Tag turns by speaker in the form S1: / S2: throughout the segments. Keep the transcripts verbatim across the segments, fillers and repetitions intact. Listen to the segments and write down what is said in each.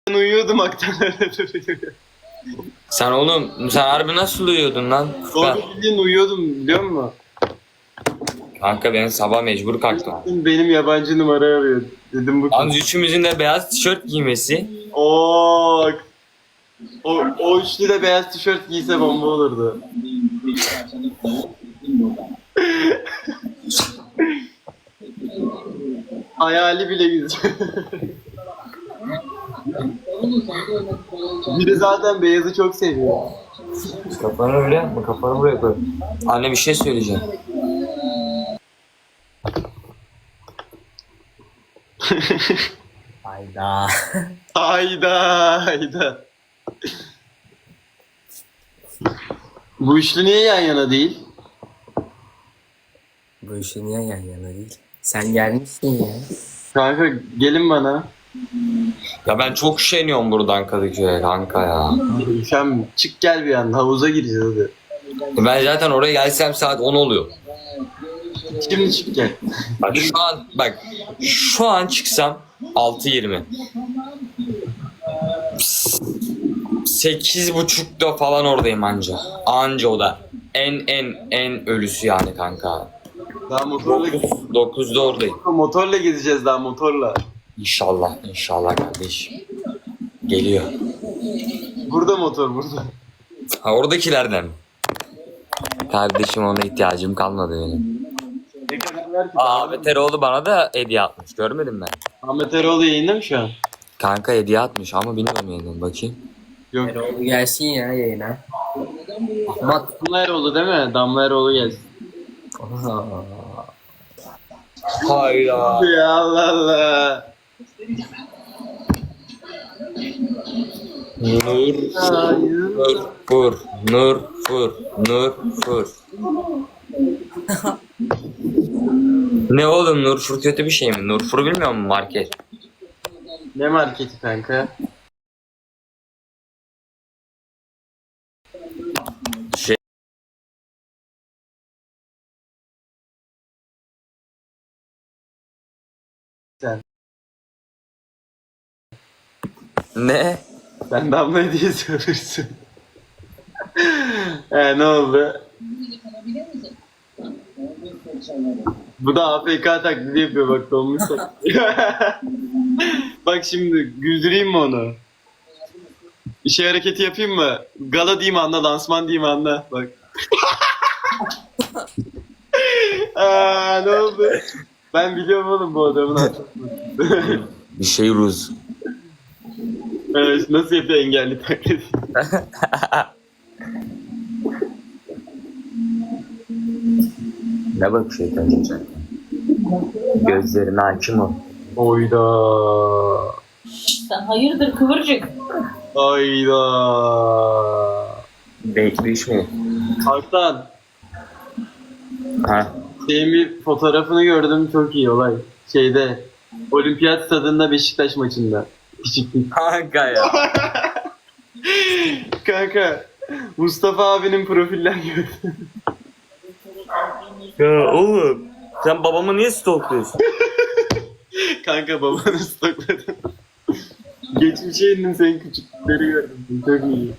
S1: Ben uyuyordum aktan öyle duruyor.
S2: Sen oğlum sen harbi nasıl uyuyordun lan?
S1: Doğru bildiğin uyuyordum biliyor musun?
S2: Kanka ben sabah mecbur kalktım.
S1: Benim yabancı numara arıyor. Dedim bu
S2: Yalnız üçümüzün de beyaz tişört giymesi.
S1: Oo. O, o üçlü de beyaz tişört giyse bomba olurdu. Hayali bile güzel. Biri zaten beyazı çok seviyor.
S2: Kafanı öyle yapma, kafanı buraya koy. Anne bir şey söyleyeceğim.
S3: Hayda.
S1: Hayda hayda. Bu üçlü niye yan yana değil?
S3: Bu işi niye yan yana değil? Sen gelmişsin ya.
S1: Kanka gelin bana.
S2: Ya ben çok üşeniyorum buradan Kadıköy'e kanka ya.
S1: Sen çık gel bir anda havuza gireceğiz hadi.
S2: Ben zaten oraya gelsem saat on oluyor.
S1: Şimdi çık gel.
S2: Bak şu an bak şu an çıksam altı yirmi. sekiz buçukta falan oradayım anca. Anca o da. En en en ölüsü yani kanka.
S1: Daha motorla
S2: dokuzda oradayım.
S1: motorla gezeceğiz daha motorla.
S2: İnşallah, inşallah kardeşim. Geliyor.
S1: Burada motor burada.
S2: Ha oradakilerden. Kardeşim ona ihtiyacım kalmadı benim.
S1: Ne kadar ver ki?
S2: Aa Ahmet Eroğlu bana da hediye atmış. Görmedim ben.
S1: Ahmet Eroğlu yayında mı şu an?
S2: Kanka hediye atmış ama bilmiyorum yeniden bakayım.
S1: Yok.
S3: Erol gelsin ya yayına. Ahmet.
S1: Damla Eroğlu değil mi? Damla Eroğlu gelsin.
S2: Hayda.
S1: Ya Allah Allah.
S2: Nur fur fur nur fur nur fur. Ne oğlum Nur fur kötü bir şey mi? Nur fur bilmiyor musun market?
S1: Ne marketi kanka?
S2: Şey.
S1: Sen.
S2: Ne?
S1: Sen Damla diye söylürsün. He ne oldu? Bu da A F K taklidi yapıyor bak dolmuş taklidi. Bak şimdi güldüreyim mi onu? İşe hareketi yapayım mı? Gala diyeyim anla, lansman diyeyim anla. Bak. Aa, ne oldu? Ben biliyorum oğlum bu adamın hatırlamasını.
S2: Bir şey Ruz.
S1: Evet, nasıl yapıyor engelli taklidi?
S2: Ne bak şeytan olacak. Gözlerine hakim ol.
S1: Oyda.
S4: Sen hayırdır kıvırcık?
S1: Hayda.
S2: Bekleşme.
S1: Haktan.
S2: Ha.
S1: Senin bir fotoğrafını gördüm çok iyi olay. Şeyde Olimpiyat stadında Beşiktaş maçında. Küçüklük.
S2: Kanka ya.
S1: Kanka Mustafa abinin profiller gördüm.
S2: Ya oğlum. Sen babamı niye stalkluyorsun?
S1: Kanka babanı stokladım. Geçmişe indim senin küçüklükleri gördüm. Çok iyi.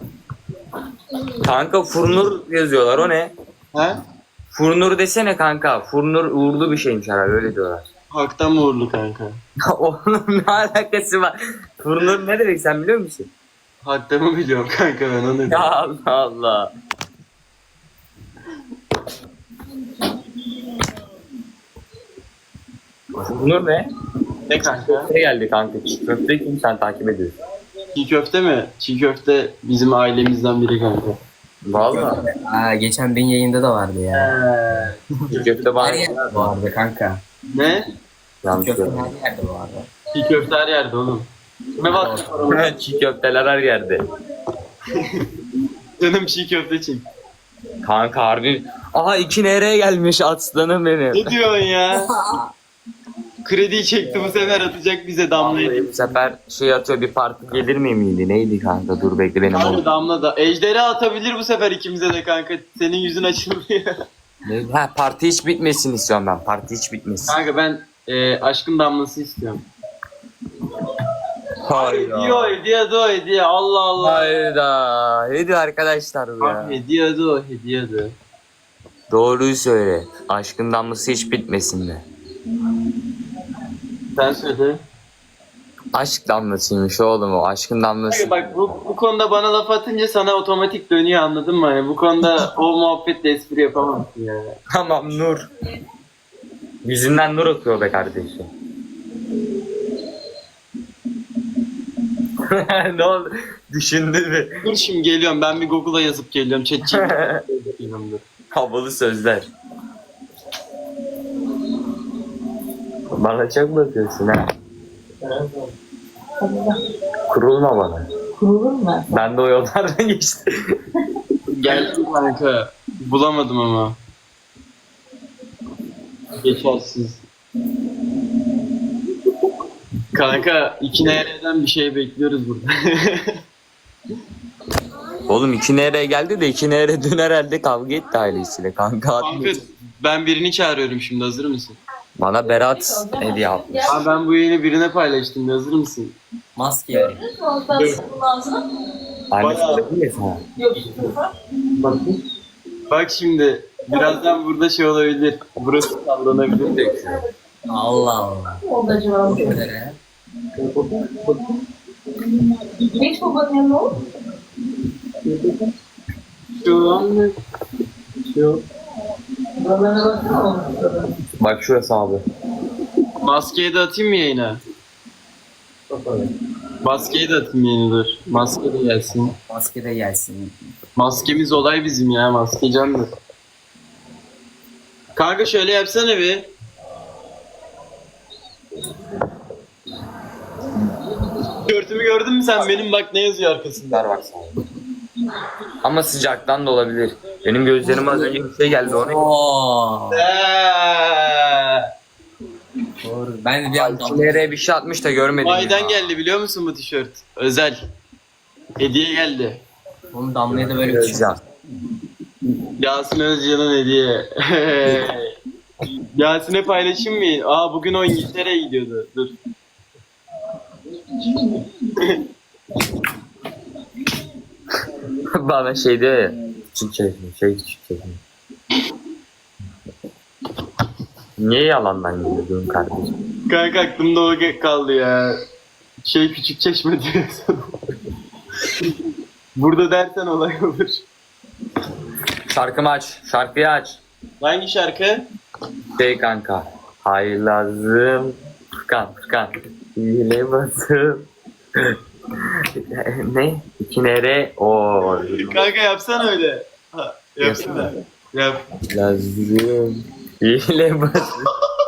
S2: Kanka Furnur yazıyorlar o ne?
S1: Ha?
S2: Furnur desene kanka. Furnur uğurlu bir şeymiş herhalde öyle diyorlar.
S1: Haktan mı uğurlu kanka?
S2: Oğlum ne alakası var? Furnur ne demek sen biliyor musun?
S1: Haktan mı biliyorum kanka ben onu.
S2: Ya Allah Allah. Furnur ne?
S1: Ne kanka?
S2: Ne geldi kanka? Çiğ köfte kim sen takip ediyorsun?
S1: Çiğ köfte mi? Çiğ köfte bizim ailemizden biri kanka.
S2: Valla.
S3: Aa, geçen benim yayında da vardı ya.
S2: Çiğ köfte
S3: Her
S2: bana.
S3: yerde vardı kanka.
S1: Ne?
S2: Yanlış
S3: Köfte
S2: görmedim.
S3: her yerde vardı.
S1: Çiğ köfte her yerde oğlum. Kime bak?
S2: Çiğ köfteler her yerde.
S1: Canım çiğ köfte çek.
S2: Kanka harbi. Aha iki nereye gelmiş aslanım benim.
S1: Ne diyorsun ya? Krediyi çekti bu sefer atacak bize Damla'yı.
S2: Bu sefer şey atıyor bir parti gelir mi miydi? Neydi kanka? Dur bekle benim
S1: Abi
S2: oğlum.
S1: Damla da. Ejderha atabilir bu sefer ikimize de kanka. Senin yüzün açılıyor.
S2: Ne? Ha parti hiç bitmesin istiyorum ben. Parti hiç bitmesin.
S1: Kanka ben e, aşkın damlası istiyorum. Hediye o hediye de o hediye Allah Allah.
S2: Hayda. Hediye arkadaşlar bu ya.
S1: Abi hediye de o hediye de.
S2: Doğruyu söyle. Aşkın damlası hiç bitmesin de.
S1: Sen söyle.
S2: Aşk damlasıymış oğlum o. Aşkın damlası.
S1: Bak bu, bu konuda bana laf atınca sana otomatik dönüyor anladın mı? Hani bu konuda o muhabbetle espri yapamazsın yani.
S2: Tamam Nur. Yüzünden nur akıyor be kardeşim. Ne oldu? Düşündün mü?
S1: Dur şimdi geliyorum ben bir Google'a yazıp geliyorum. Chat
S2: Havalı sözler. Bana çok bakıyorsun ha. Kurulma bana.
S4: Kurulur mu?
S2: Ben de o yollardan geçtim.
S1: Geldim kanka. Bulamadım ama. Geçersiz. Kanka iki nereden bir şey bekliyoruz burada.
S2: Oğlum iki nereye geldi de iki nereye dün herhalde kavga etti ailesiyle kanka.
S1: Kanka ben birini çağırıyorum şimdi hazır mısın?
S2: Bana Berat hediye yapmış.
S1: Abi ben bu yayını birine paylaştım hazır mısın?
S3: Maske yani.
S4: Ben sıkıldım ağzına.
S2: Anne söyledi mi sana?
S4: Yok.
S1: Bak, bak şimdi birazdan burada şey olabilir. Burası sallanabilir.
S3: Allah Allah.
S4: Oldu acaba?
S3: Nereye?
S4: Geç babanın yanına ol.
S1: Şu an şu
S4: Babanına baksana olmuş.
S2: Bak şurası abi.
S1: maskeyi de atayım mı yayına? Maskeyi de atayım yayına dur. Maske de gelsin.
S3: Maske de gelsin.
S1: Maskemiz olay bizim ya. Maske candır. Kanka şöyle yapsana bir. Tişörtümü gördün mü sen benim bak ne yazıyor arkasında.
S2: Ver bak sana. Ama sıcaktan da olabilir. Benim gözlerime az önce bir şey geldi ona.
S3: Oo.
S1: Eee.
S3: Doğru. Ben de bir anda
S2: İki nereye bir şey atmış da görmedim.
S1: Vay'dan
S2: ya.
S1: geldi biliyor musun bu tişört? Özel. Hediye geldi.
S3: Onu Damla'ya da böyle bir şey.
S2: Özcan.
S1: Yasin Özcan'ın hediye. Yasin'e paylaşayım mı? Aa bugün o İngiltere'ye gidiyordu. Dur.
S2: Bana şey diyor ya. Küçük çekim, şey küçük çekim. Niye yalandan geliyorsun kardeşim?
S1: Kanka aklımda o kaldı ya. Şey küçük çeşme diyorsun. Burada dersen olay olur.
S2: Şarkımı aç, şarkıyı aç.
S1: Hangi şarkı?
S2: Şey kanka. Hayır lazım. Furkan, Furkan. Hile basım. Ne? İki nere? Oo.
S1: Kanka yapsana öyle. Ha, yapsana. Yap.
S2: Lazım. Hile basım.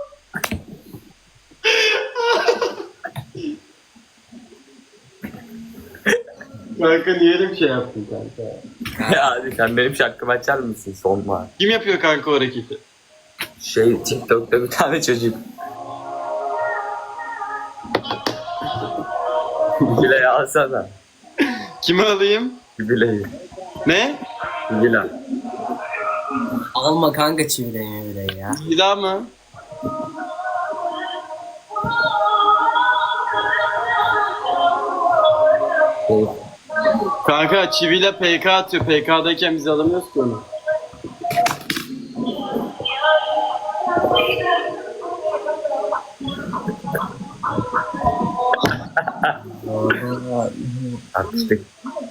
S1: Kanka niye öyle bir şey yaptın kanka?
S2: Ya hadi sen benim şarkımı açar mısın sonma?
S1: Kim yapıyor kanka o hareketi?
S2: Şey TikTok'ta bir tane çocuk. Bile'yi alsana.
S1: Kimi alayım?
S2: Bile'yi.
S1: Ne?
S2: Bile.
S3: Alma kanka çivileyi bile ya.
S1: Bir daha mı? Kanka çiviyle P K atıyor. P K'dayken biz alamıyoruz ki onu.
S2: Atıştık.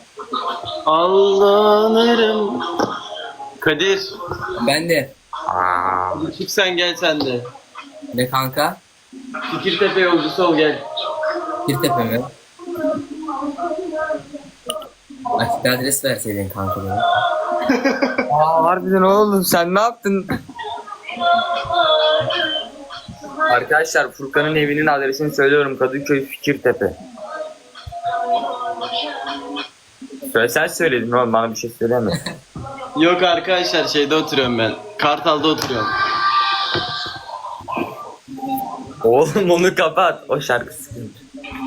S1: Allah'ım. Kadir.
S3: Ben de.
S2: Aa.
S1: Çık sen gel sen de.
S3: Ne kanka?
S1: Fikirtepe yolcusu ol gel.
S3: Kirtepe mi? Açık adres verseydin kanka bana.
S2: Aa harbiden oğlum sen ne yaptın? Arkadaşlar Furkan'ın evinin adresini söylüyorum. Kadıköy Fikirtepe. Söyle sen söyledin oğlum bana bir şey söyleme.
S1: Yok arkadaşlar şeyde oturuyorum ben. Kartal'da oturuyorum.
S2: Oğlum onu kapat. O şarkı sıkıntı.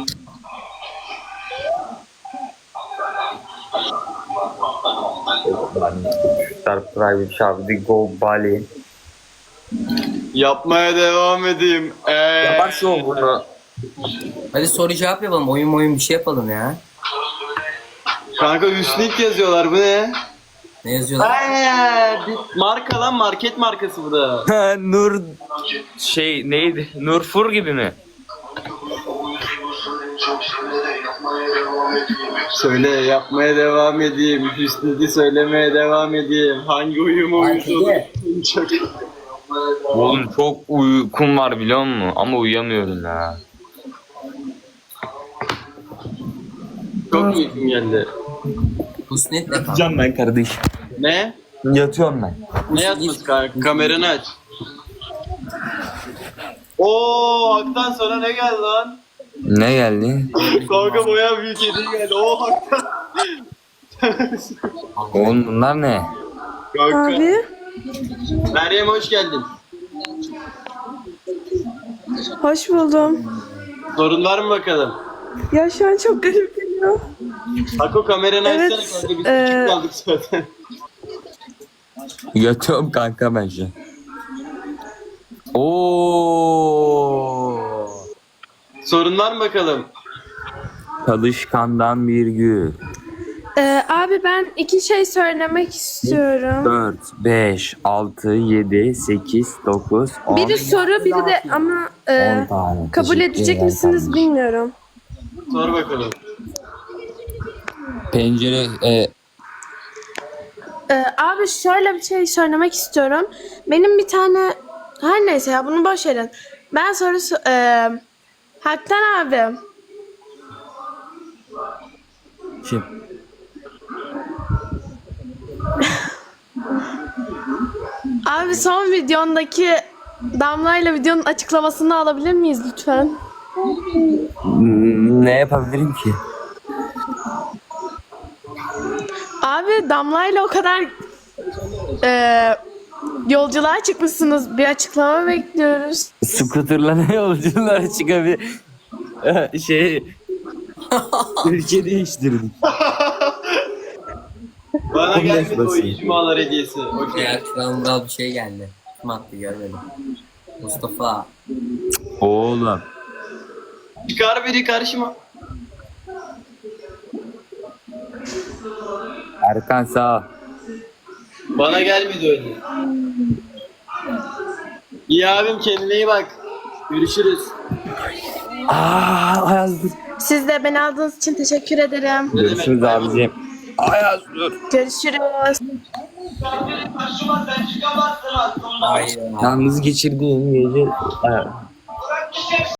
S2: Star Private Şabdi Go Bali.
S1: Yapmaya devam edeyim. Ee,
S2: Yapar şu bunu.
S3: Hadi soru cevap yapalım. Oyun oyun bir şey yapalım ya.
S1: Kanka Hüsnük yazıyorlar, bu ne?
S3: Ne yazıyorlar?
S1: Ay, bir marka lan, market markası bu da.
S2: Nur şey neydi? Nurfur gibi mi?
S1: Söyle, yapmaya devam edeyim. Hüsnük'ü söylemeye devam edeyim. Hangi uyumu uyusun? Çok...
S2: Oğlum çok uykum var biliyor musun? Ama uyuyamıyorum ya.
S1: Çok uykum geldi.
S3: Husnet de kanka.
S2: Yatacağım ben kardeş.
S1: Ne?
S2: Yatıyorum ben.
S1: Ne yatması kanka? Kameranı aç. Oo, Hak'tan sonra ne geldi lan?
S2: Ne geldi?
S1: Kanka bayağı büyük hediye geldi. Oo, Hak'tan.
S2: Oğlum bunlar ne?
S1: Kanka.
S5: Abi.
S1: Meryem hoş geldin.
S5: Hoş buldum.
S1: Sorun var mı bakalım?
S5: Ya şu an çok garip geliyor.
S1: Hako kameranı
S5: Evet,
S1: açsana kanka, biz
S5: eee,
S1: küçük kaldık zaten.
S2: Yatıyorum kanka ben şu an. Oo.
S1: Sorun var mı bakalım?
S2: Çalışkandan bir gün.
S5: Ee, abi ben iki şey söylemek istiyorum.
S2: dört, beş, altı, yedi, sekiz, dokuz, on.
S5: Biri soru biri de ama e,
S2: on tane.
S5: kabul
S2: Teşekkür
S5: edecek
S2: ederim
S5: misiniz
S2: kardeşim.
S5: bilmiyorum.
S1: Sor bakalım.
S2: Pencere e,
S5: Ee, abi şöyle bir şey söylemek istiyorum. Benim bir tane her neyse ya bunu boş verin. Ben sorusu e, Haktan abi.
S2: şey,
S5: Abi son videondaki Damla ile videonun açıklamasını alabilir miyiz lütfen?
S2: ne yapabilirim ki?
S5: Abi Damla ile o kadar e, yolculuğa çıkmışsınız. Bir açıklama bekliyoruz.
S2: Scooter'la ne yolculara çıkabilir? şey ülke değiştirdik.
S1: Bana
S2: on beş
S1: gelmedi o
S2: basayım.
S1: icmalar hediyesi. Okey.
S3: Ya kralımdan bir şey geldi. Kim attı görmedim. Mustafa.
S2: Oğlum.
S1: Çıkar biri karşıma.
S2: Erkan sağ ol.
S1: Bana gelmedi öyle. İyi abim, kendine iyi bak. Görüşürüz.
S2: Aa, Ayaz dur.
S5: Siz de beni aldığınız için teşekkür ederim.
S2: Görüşürüz abicim. Ayaz dur.
S5: Görüşürüz.
S3: Hayır.
S2: Yalnız geçirdiğim gece Ayaz.